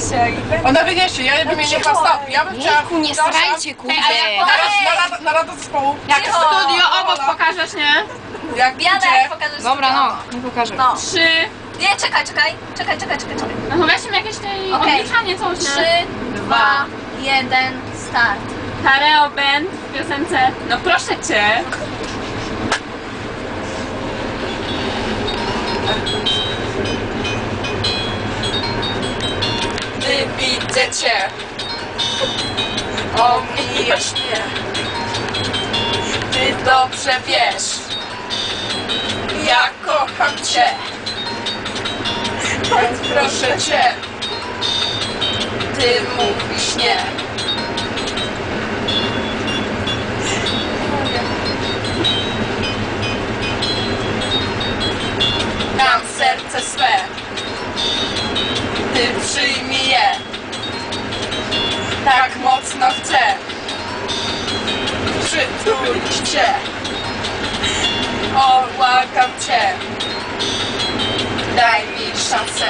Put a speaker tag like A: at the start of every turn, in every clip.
A: wyniesie.
B: Ona wyniesie, ja bym jej nie chciała. Ja bym chciała...
C: Jejku, nie strajcie, kurde.
B: Na radę zespołu.
A: Jak studio obok pokażesz, nie?
B: Jak
D: Biada,
B: idzie...
D: jak pokażesz.
C: Dobra, no, nie pokażę.
D: No.
A: 3.
D: Nie, czekaj.
A: No weźmy jakieś tej
D: Okej.
A: odliczanie coś,
D: 3,
A: nie?
D: 2, 1, start.
A: Kareo Band w piosence. No proszę cię.
B: Gdy widzę cię, omijasz mnie. Ty dobrze wiesz, ja kocham cię. Więc proszę cię, ty mówisz nie. Dam serce swe, ty przyjmij je. Tak mocno chcę przytulić cię. Obłagam cię, daj mi szansę.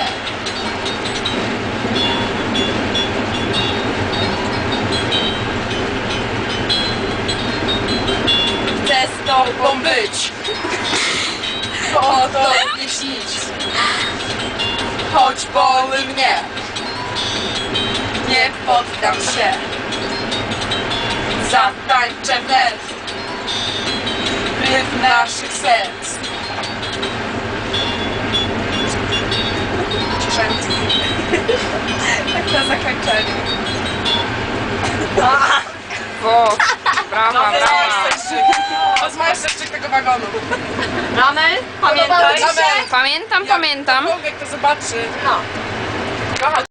B: Chcę z tobą być, o tobie śnić. Choć boli mnie, nie poddam się. Zatańczę wnet rytm naszych serc. Tak na zakończenie.
C: O, brawa, brawa.
B: Rozmawiasz jeszcze tego wagonu.
A: Ramel, pamiętaj.
B: Pamiętaj.
C: Pamiętam.
B: Ktokolwiek to zobaczy.
A: No.
B: Kocha